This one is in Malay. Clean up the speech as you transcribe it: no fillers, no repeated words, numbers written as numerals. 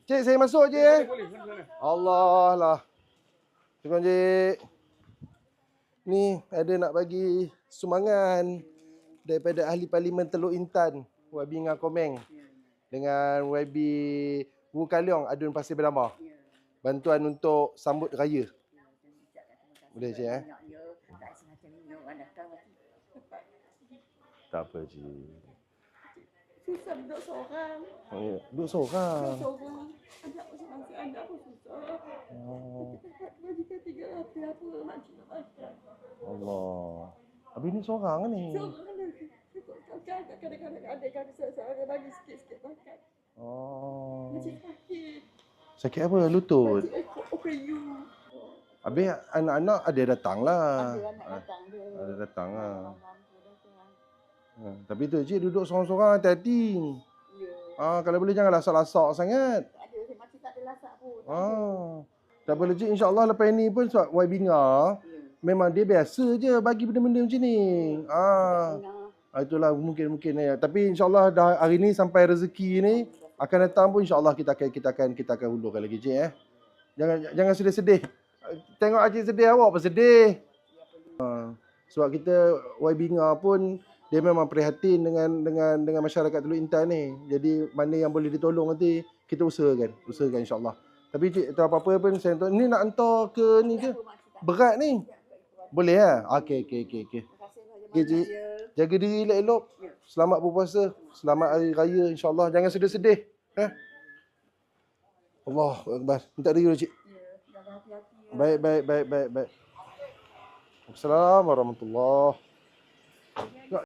Cik, saya masuk je eh. Boleh, boleh. Allah lah. Terima kasih, Cik. Ni ada nak bagi sumbangan daripada ahli parlimen Teluk Intan, YB Ngah Komeng dengan YB Wu Kaliong Adun Pasir Berdamar. Bantuan untuk sambut raya. Boleh Cik eh? Tak apa Cik. Susah duduk seorang. Oh, ya. Duduk seorang. Seorang. Anak pun masih anak pun susah. Oh. Majikan 300 apa makcik nak makan. Allah. Habis ni seorang kan ni? Seorang lagi. Kadang-kadang adik kami seorang bagi sikit-sikit makan. Oh. Macik sakit. Sakit apa? Lutut? Macik OPU. Habis anak-anak ada datang lah. Ada anak datang dia. Ada datang lah. Tapi tu Cik duduk seorang-seorang hati-hati. Ya. Kalau boleh jangan lasak-lasak sangat. Tak ada. Macik tak ada lasak pun. Tak boleh Cik. InsyaAllah lepas ni pun sebab YB Ngah, memang dia biasa je bagi benda-benda macam ni. Itulah mungkin. Tapi insyaAllah dah hari ni sampai rezeki ni akan datang pun insyaAllah kita akan hulurkan lagi Cik eh. Jangan sedih-sedih. Tengok Cik sedih, awak pun sedih. Sebab kita YB Ngah pun dia memang prihatin dengan masyarakat Teluk Intan ni. Jadi mana yang boleh ditolong nanti kita usahakan insyaAllah. Tapi Cik tak apa-apa pun saya hantar. Ni nak hantar ke ni ke? Berat ni. Boleh lah? Okey. Okey Cik. Jaga diri elok-elok. Selamat berpuasa. Selamat hari raya insyaAllah. Jangan sedih-sedih. Allah Akbar. Minta diri dulu Cik. Baik. Assalamualaikum warahmatullahi